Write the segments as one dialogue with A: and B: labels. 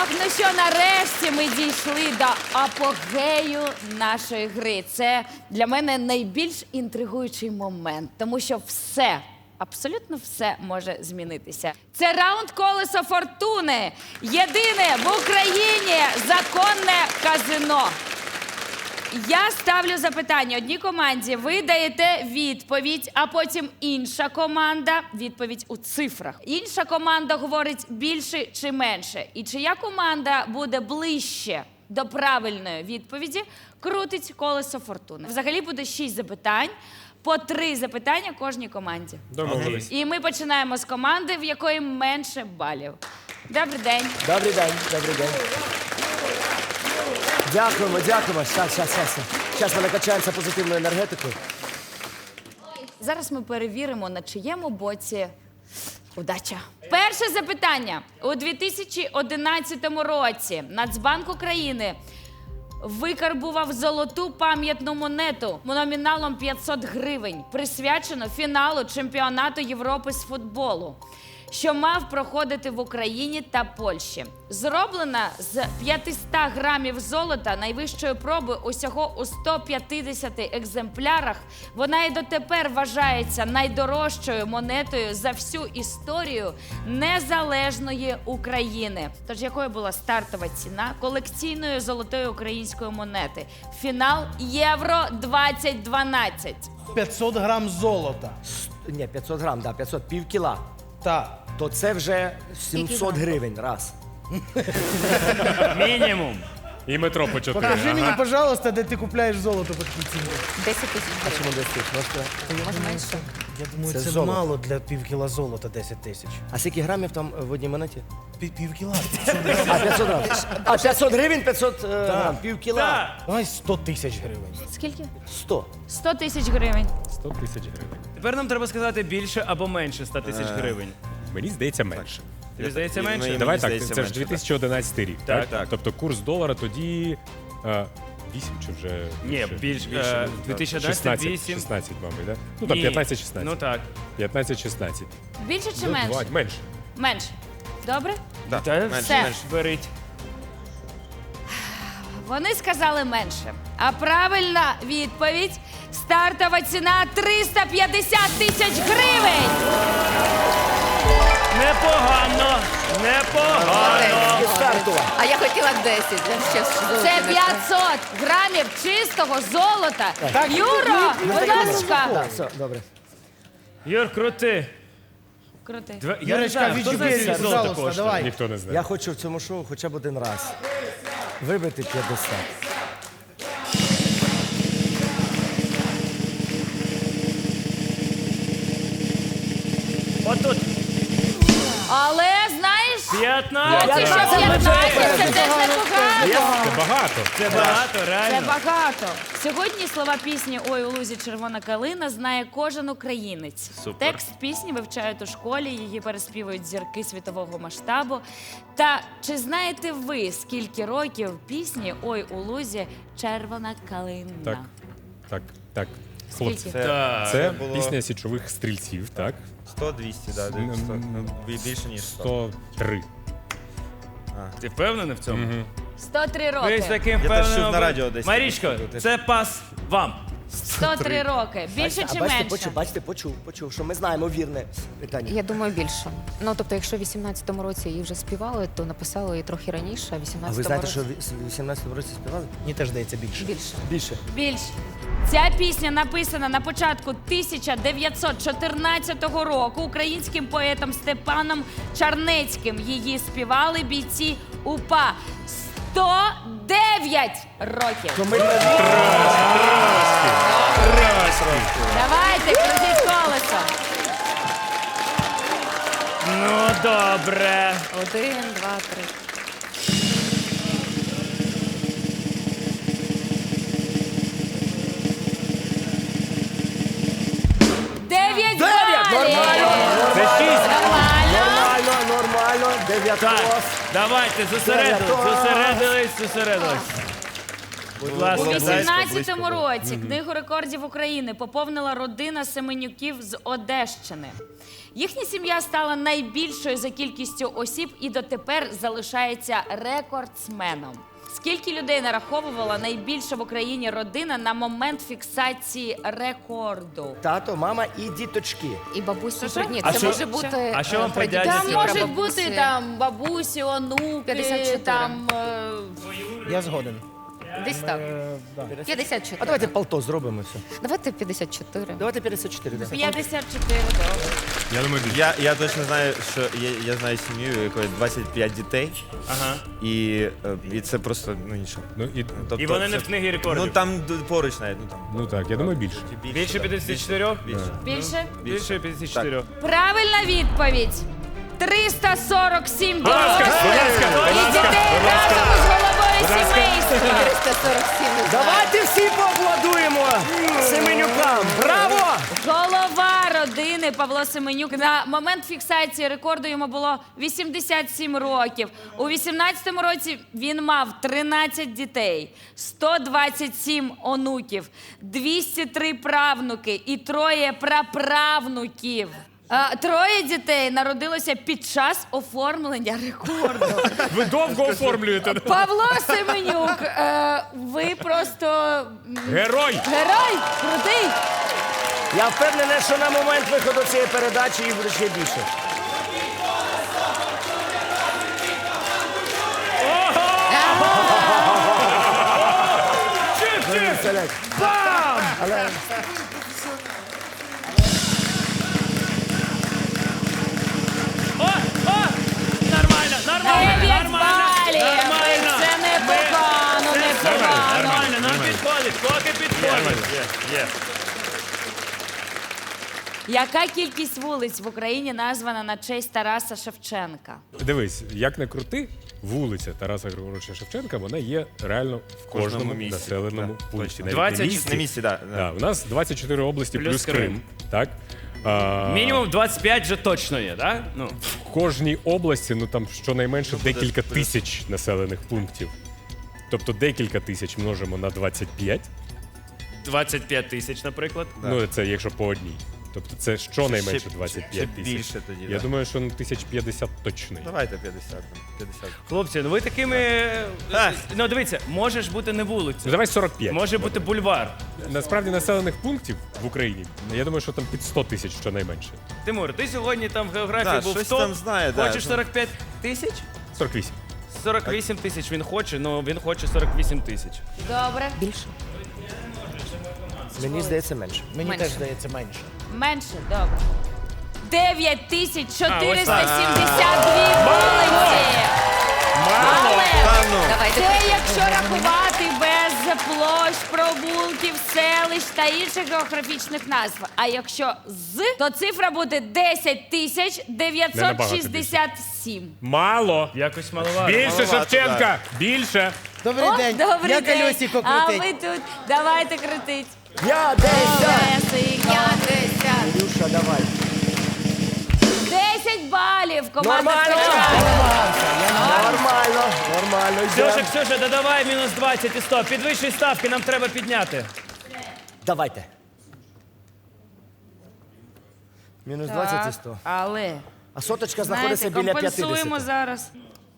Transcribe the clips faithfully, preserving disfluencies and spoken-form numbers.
A: ну що, нарешті ми дійшли до апогею нашої гри. Це для мене найбільш інтригуючий момент, тому що все, абсолютно все може змінитися. Це раунд «Колесо фортуни». Єдине в Україні законне казино. Я ставлю запитання одній команді, ви даєте відповідь, а потім інша команда відповідь у цифрах. Інша команда говорить більше чи менше. І чия команда буде ближче до правильної відповіді, крутить колесо фортуни. Взагалі буде шість запитань, по три запитання кожній команді.
B: Домовились.
A: І ми починаємо з команди, в якої менше балів. Добрий день.
C: Добрий день, добрий день. Дякуємо, дякуємо. Щас, щас, щас. Щас ми накачаємося позитивною енергетикою.
A: Зараз ми перевіримо, на чиєму боці удача. Перше запитання. У дві тисячі одинадцятому році Нацбанк України викарбував золоту пам'ятну монету номіналом п'ятсот гривень, присвячену фіналу чемпіонату Європи з футболу, що мав проходити в Україні та Польщі. Зроблена з п'ятисот грамів золота найвищої проби усього у ста п'ятдесяти екземплярах, вона і дотепер вважається найдорожчою монетою за всю історію незалежної України. Тож якою була стартова ціна колекційної золотої української монети? Фінал Євро двадцять дванадцять.
D: п'ятсот грам золота.
C: Ні, п'ятсот грам, да, п'ятсот, пів кіла.
D: Так.
C: То це вже сімсот гривень, раз.
B: Мінімум. І метро по чотири.
D: Покажи мені, пожалуйста, де ти купляєш золото по такій ціні.
E: десять тисяч
C: А чому
E: гривень.
C: десять тисяч? Можете?
E: Може менше?
D: Я думаю,
C: Це
D: це,
C: золото.
D: мало для півкіла золота десять тисяч.
C: А скільки грамів там в одній монеті?
D: Пів- Півкіла.
C: А, п'ятсот грам. А, п'ятсот гривень, п'ятсот е, грам, пів кіла.
D: Давай сто тисяч гривень.
A: Скільки?
C: сто.
A: сто тисяч гривень.
B: сто тисяч гривень.
F: Тепер нам треба сказати більше або менше ста тисяч гривень.
B: Мені здається менше.
F: Тобі здається менше?
G: Мені
B: Давай так,
G: здається,
B: це ж
G: менше,
B: дві тисячі одинадцятий рік,
F: Так,
B: так?
F: так.
B: Тобто курс долара тоді е, вісім чи вже...
F: Ні,
B: ще?
F: більш,
G: більше,
F: е,
G: так.
F: дві тисячі одинадцятий
B: шістнадцять,
F: вісім.
B: шістнадцять, мабуть, так? Ну там
F: Ні.
B: п'ятнадцять шістнадцять.
F: Ну так.
B: п'ятнадцять шістнадцять.
A: Більше чи
B: Ну,
A: менше?
B: два, менше.
A: Менше. Добре?
G: Да.
F: Та
G: менше,
F: все,
G: менше.
F: беріть.
A: Вони сказали менше. А правильна відповідь – стартова ціна триста п'ятдесят тисяч гривень.
F: Непогано, непогано.
C: І стартова.
E: А я хотіла десять. Я ще з золотом
A: Це
E: не-
A: п'ятсот грамів чистого золота. Юро, будь ласка.
C: Так, все, добре.
F: Юр, крути.
A: Крути.
F: Два- Я не
D: Юрочка,
F: знаю, хто за
D: відчубірюй,
F: золото
D: пожалуйста,
F: коштує?
D: давай.
B: Ніхто не знає.
C: Я хочу в цьому шоу хоча б один раз вибити п'ятдесят.
F: Отут.
A: Але, знаєш,
F: п'ятнадцять.
A: поки що п'ятнадцять – це теж непогано.
B: Це багато.
F: Це багато,
A: Це
F: реально.
A: багато. Сьогодні слова пісні «Ой, у лузі червона калина» знає кожен українець.
G: Супер.
A: Текст пісні вивчають у школі, її переспівують зірки світового масштабу. Та чи знаєте ви, скільки років пісні «Ой, у лузі червона калина»?
B: Так, так, так. Хлопці,
A: Скільки?
F: Так.
B: це
G: було-
B: пісня січових стрільців, так?
G: сто двісті, да, десь сто. Ну, бі- більше, ніж сто.
B: сто три.
F: Ти впевнений в цьому?
A: сто три
F: Ви з
A: роки.
F: таким
G: Я теж чув
F: впевненим.
G: на радіо десь.
F: Марічко, це пас вам.
A: сто три роки. Більше
C: а
A: чи
C: бачите,
A: менше?
C: почув, бачите, почув, почув, що ми знаємо вірне питання.
E: Я думаю, більше. Ну, тобто, якщо в вісімнадцятому році її вже співали, то написали її трохи раніше, а в
C: А ви
E: вісімнадцятому
C: знаєте,
E: році
C: що в вісімнадцятому році співали?
D: Мені теж здається більше.
E: більше.
C: Більше.
A: Більше. Ця пісня написана на початку тисяча дев'ятсот чотирнадцятого року українським поетом Степаном Чарнецьким. Її співали бійці УПА. сто дев'ять років.
C: То ми
A: Давайте, крутіть колесо.
F: Ну, добре.
E: Один, два, три.
A: Дев'ять
C: Дев'ять!
A: балів.
C: Нормально!
F: Це шість.
A: Нормально.
C: Нормально, нормально, дев'ятос.
F: Так, давайте, зосередились, зосередились, зосередились. Будь
A: У
F: ласка,
G: близько,
A: вісімнадцятому
G: близько було.
A: році Книгу рекордів України поповнила родина Семенюків з Одещини. Їхня сім'я стала найбільшою за кількістю осіб і дотепер залишається рекордсменом. Скільки людей нараховувала найбільша в Україні родина на момент фіксації рекорду?
C: Тато, мама і діточки.
E: І бабусі.
A: Що?
E: Ні,
F: А
E: це
F: що-
E: може бути.
F: а що вам
E: е,
F: про дядю
A: Там
F: Ці
E: прадідусі,
A: можуть
E: прабабусі.
A: бути там бабусі, онуки,
E: п'ятдесят чотири.
A: там е,
D: Я згоден.
E: Десь так.
D: Е, да.
E: п'ятдесят чотири.
C: А давайте полто зробимо все.
E: Давайте п'ятдесят чотири.
C: Давайте п'ятдесят чотири. да.
A: п'ятдесят чотири. Добре.
B: Я думаю, більше.
G: Я, я точно знаю, що я, я знаю сім'ю, у якої двадцять п'ять дітей,
F: Ага.
G: і, е, і це просто ну нічого.
B: Ну, і,
G: Тобто
F: І вони не
G: це-
F: в книгі рекордів.
G: Ну там д- поруч навіть, ну там.
B: ну так, я думаю, більше.
F: Більше
G: да.
F: п'ятдесят чотири?
G: Більше.
A: Більше?
F: Більше п'ятдесят чотири.
A: Правильна відповідь. триста сорок сім
B: Будь ласка,
A: дорослих
B: будь ласка,
A: і
B: будь ласка,
A: дітей
B: будь ласка.
A: разом з головою
B: Будь ласка.
A: сімейства.
E: триста сорок сім. не знаю.
C: Давайте всі поаплодуємо Семенюкам. Браво!
A: Голова родини Павло Семенюк. На момент фіксації рекорду йому було вісімдесят сім років. У вісімнадцятому році він мав тринадцять дітей, сто двадцять сім онуків, двісті три правнуки і троє праправнуків. А, троє дітей народилося під час оформлення рекорду.
B: Ви довго оформлюєте.
A: Павло Семенюк, е, ви просто м,
B: Герой!
A: герой, крутий.
C: Я впевнений, що на момент виходу цієї передачі їх буде ще більше. Представляєте? Але
F: О, о! Нормально, нормально,
A: Дев'ять
F: нормально,
A: балів.
F: нормально.
A: Це непогано,
F: Ми- це
A: непогано.
F: Нормально, нам підходить, поки підходить.
G: Є, є.
A: Яка кількість вулиць в Україні названа на честь Тараса Шевченка?
B: Дивись, як не крути, вулиця Тараса Григоровича Шевченка, вона є реально в кожному,
G: кожному місті.
B: населеному
G: Да,
B: пункті.
G: точно.
B: Навіть
F: двадцять
B: на місці.
G: На місці, да, да.
B: Да, у нас двадцять чотири області
F: Плюс
B: плюс,
F: Крим.
B: Крим. Так? А,
F: Мінімум двадцять п'ять вже точно є, так? Ну.
B: В кожній області, ну там щонайменше декілька тисяч населених пунктів. Тобто декілька тисяч множимо на двадцять п'ять.
F: двадцять п'ять тисяч, наприклад.
B: Ну, це якщо по одній. Тобто це щонайменше
G: Ще-
B: двадцять
G: ще
B: п'ять тисяч.
G: більше тоді,
B: Я
G: да.
B: думаю, що ну, тисяч п'ятдесят точно. є.
G: Давайте п'ятдесят. п'ятдесят.
F: Хлопці, ну ви такими.
G: А.
F: Ну дивіться, може ж бути не
B: Ну,
F: вулиця,
B: давай сорок п'ять.
F: може бути бульвар.
B: Насправді населених пунктів в Україні, я думаю, що там під сто тисяч щонайменше.
F: Тимур, ти сьогодні там в географії
G: Да,
F: був
G: щось
F: топ.
G: там знає, да.
F: Хочеш сорок п'ять тисяч?
B: сорок вісім.
F: сорок вісім тисяч він хоче, але він хоче сорок вісім тисяч.
A: Добре.
E: Більше.
C: мені здається менше.
D: Мені
E: Менше.
D: теж здається менше.
A: Менше, добре. дев'ять тисяч чотириста
F: А, ось
A: сімдесят дві вулиці. Але
G: Та ну.
E: Давайте.
A: це якщо рахувати без площ, провулків, селищ та інших географічних назв. А якщо з, то цифра буде десять тисяч дев'ятсот шістдесят сім.
B: Мало!
F: Якось маловато.
B: Більше
G: Маловато,
B: Шевченка! Більше!
D: Добрий
A: О,
D: день.
A: добрий
D: Я
A: день.
D: колесико
A: А
D: крутить.
A: ви тут давайте крутить.
C: Я десять!
A: Колесико.
C: Ілюша, давай.
A: десять балів. Команда
C: Нормально!
A: Ткача.
C: Нормально, нормально.
F: Ксюша,
C: йдем.
F: Ксюша, додавай мінус двадцять і сто. Підвищуй ставки, нам треба підняти.
C: Давайте. Мінус двадцять і сто.
A: Але
C: А соточка знаходиться
A: знаєте,
C: біля
A: компенсуємо
C: п'ятдесят.
A: зараз.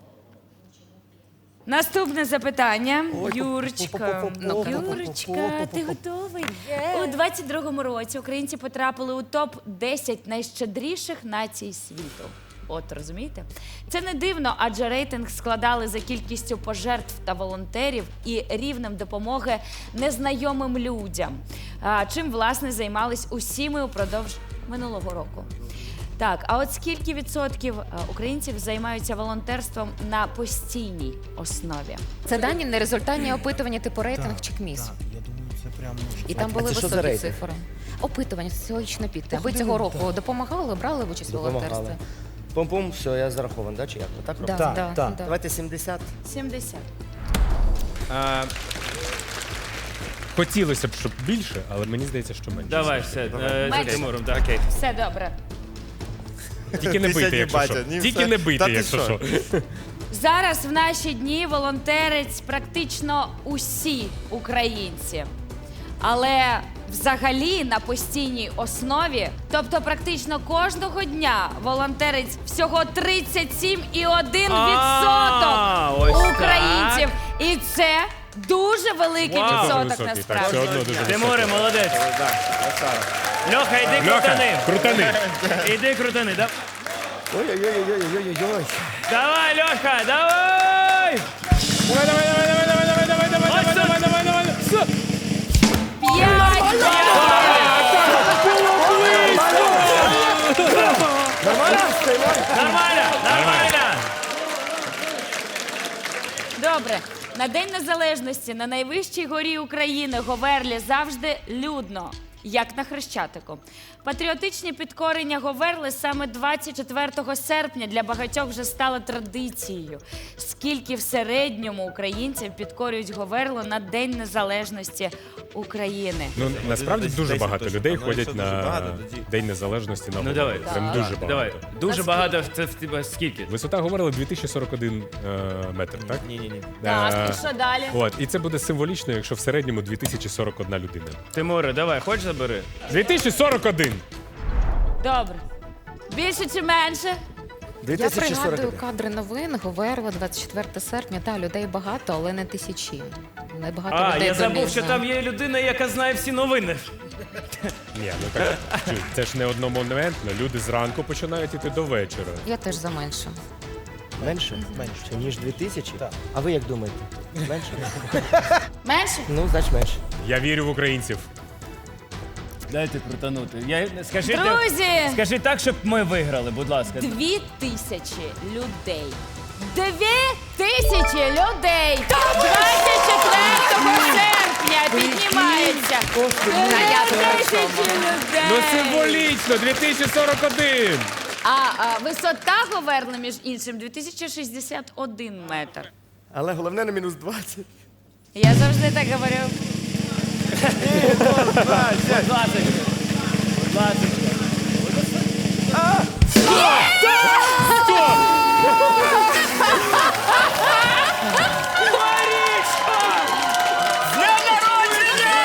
A: Наступне запитання. Юрочка.
E: Ну,
A: Юрочка, ти готовий? У двадцять другому році українці потрапили у топ десять найщедріших націй світу. От розумієте? Це не дивно, адже рейтинг складали за кількістю пожертв та волонтерів і рівнем допомоги незнайомим людям. А, чим, власне, займались усі ми упродовж минулого року. Так, а от скільки відсотків а, українців займаються волонтерством на постійній основі?
E: Це дані не результатні опитування типу рейтинг чи КМІС.
D: Я думаю, це прям може.
E: І там
C: А
E: були
C: це що за
E: високі
C: рейтинг?
E: цифри. Опитування, соціологічне підте. Ви цього року допомагали, брали участь у волонтерстві?
C: Допомагали. Пум-пум, все, я зарахований, да, чи як? Отак
E: Да,
C: робимо?
D: Так,
E: да,
D: так.
E: да.
C: Давайте сімдесят.
A: сімдесят.
F: А,
B: Хотілося б, щоб більше, але мені здається, що менше.
F: давай, все, е, за
A: Менше.
F: Тимуром. Да.
G: Окей.
A: Все добре.
B: Тільки не
G: Ти
B: бийте,
G: сьогодні
B: якщо
G: батя,
B: що.
G: ні,
B: Тільки
G: все.
B: не
G: Та
B: бийте,
G: ти
B: якщо
G: що?
B: що.
A: Зараз в наші дні волонтерять практично усі українці. Але взагалі на постійній основі. Тобто практично кожного дня волонтерить всього тридцять сім і один
F: А, ось
A: відсоток
F: так.
A: українців. І це дуже великий
F: Вау.
B: Дуже
A: відсоток
B: високий, так,
A: насправді.
B: все одно дуже
F: Тимуре,
B: високий.
F: молодець. Льоха, іди
B: Льоха,
F: крутани.
B: крутани.
F: Іди крутани, да?
C: Ой-ой-ой-ой-ой-ой.
F: Давай, Льоха, давай!
B: Давай, давай, давай, давай, давай, давай, давай, давай,
F: Ось
B: давай,
F: тут.
B: давай, давай, давай. Все.
A: П'ять
C: Нормально? Стоїмо?
F: Нормально, нормально.
A: Добре. На День Незалежності на найвищій горі України Говерлі завжди людно, як на Хрещатику. Патріотичні підкорення Говерли саме двадцять четвертого серпня для багатьох вже стало традицією. Скільки в середньому українців підкорюють Говерлу на День Незалежності України?
B: Ну, насправді
G: Десь
B: дуже
G: десять
B: багато
G: точно.
B: людей
G: Ну, якщо
B: ходять
G: дуже
B: на
G: багато, тоді-
B: День Незалежності на
F: Ну,
B: Говерлі.
F: давай.
B: Прям дуже багато.
F: Давай. Дуже
A: Наскільки?
F: багато. Це в тебе скільки?
B: Висота Говерли дві тисячі сорок один е, метр, так?
G: Ні-ні-ні.
A: Так,
B: Е,
A: і що далі?
B: От, і це буде символічно, якщо в середньому дві тисячі сорок одна людина.
F: Тимуре, давай, хоч забери.
B: дві тисячі сорок один!
A: Добре. Більше чи менше?
C: дві
E: Я
C: тисячі сорок
E: пригадую
C: один.
E: кадри новин, Говерла, двадцять четвертого серпня. Та, людей багато, але не тисячі. Небагато
F: А,
E: людей
F: я забув,
E: донизу.
F: що там є людина, яка знає всі новини.
B: Ні, ну так чуй, це ж не одномоментно. Люди зранку починають іти до вечора.
E: Я теж за менше.
C: Менше? Менше. Ніж дві тисячі? Так. А ви як думаєте? Менше?
A: Менше?
C: Ну, значить менше.
B: Я вірю в українців.
F: Дайте крутанути. Я, скажи,
A: Друзі!
F: скажи так, щоб ми виграли, будь ласка.
A: Дві тисячі людей. Дві тисячі людей! двадцять четвертого серпня піднімається. Дві тисячі людей!
B: Ну символічно, дві тисячі сорок один!
A: А, а висота Говерли, між іншим, дві тисячі шістдесят один метр.
C: Але головне на мінус двадцять.
A: Я завжди так говорю.
F: Будь ласка. Будь ласка. Марічка! З днем народження!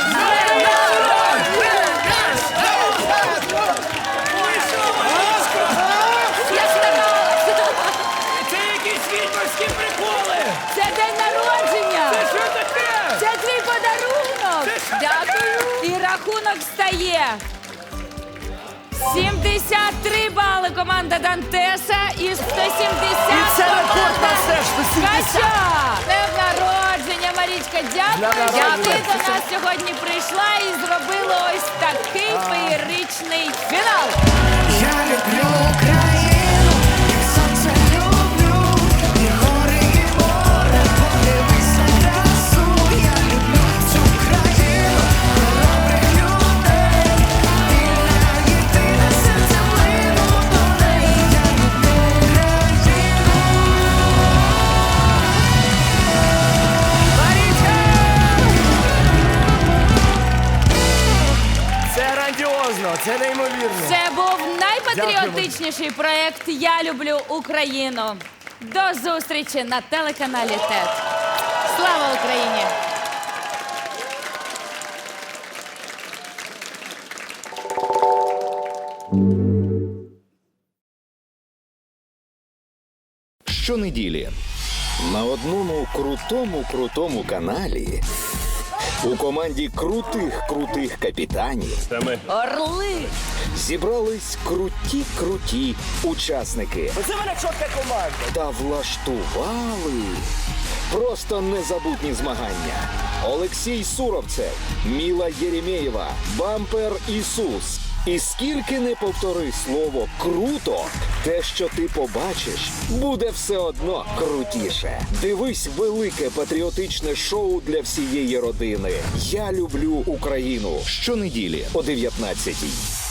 F: Ой, що, Марічка?
A: Я старалася.
F: Це якісь відьмарські приколи!
A: Це день народження!
F: Це що таке?
A: Це твій подарунок! Дякую! І рахунок стає. сімдесят три бали команда Дантеса і сто сімдесят
C: І це рекорд
A: команда
C: на все ж, сто сімдесят.
A: Ткача. Днем народження, Марічка. Дякую,
C: Днем
A: що ти
C: народження.
A: до нас сьогодні прийшла і зробила ось такий феєричний фінал.
H: Я люблю Україну, як сонце люблю, і гори, і море, подивись на красу. Я люблю цю країну, хоробрих людей, вільна, єдина, серцем лину до неї. Я люблю Україну.
C: Це грандіозно, це неймовірно.
A: Це був найпатріотичніший проєкт Я люблю Україну. До зустрічі на телеканалі ТЕТ. Слава Україні!
I: Щонеділі на одному крутому крутому каналі у команді крутих крутих капітанів
A: Орли!
I: зібрались круті круті учасники
C: Оце мене чітка команда.
I: та влаштували просто незабутні змагання. Олексій Суровцев, Міла Єремєєва, Бампер Ісус. І скільки не повтори слово «круто», те, що ти побачиш, буде все одно крутіше. Дивись велике патріотичне шоу для всієї родини. Я люблю Україну. Щонеділі о дев'ятнадцятій.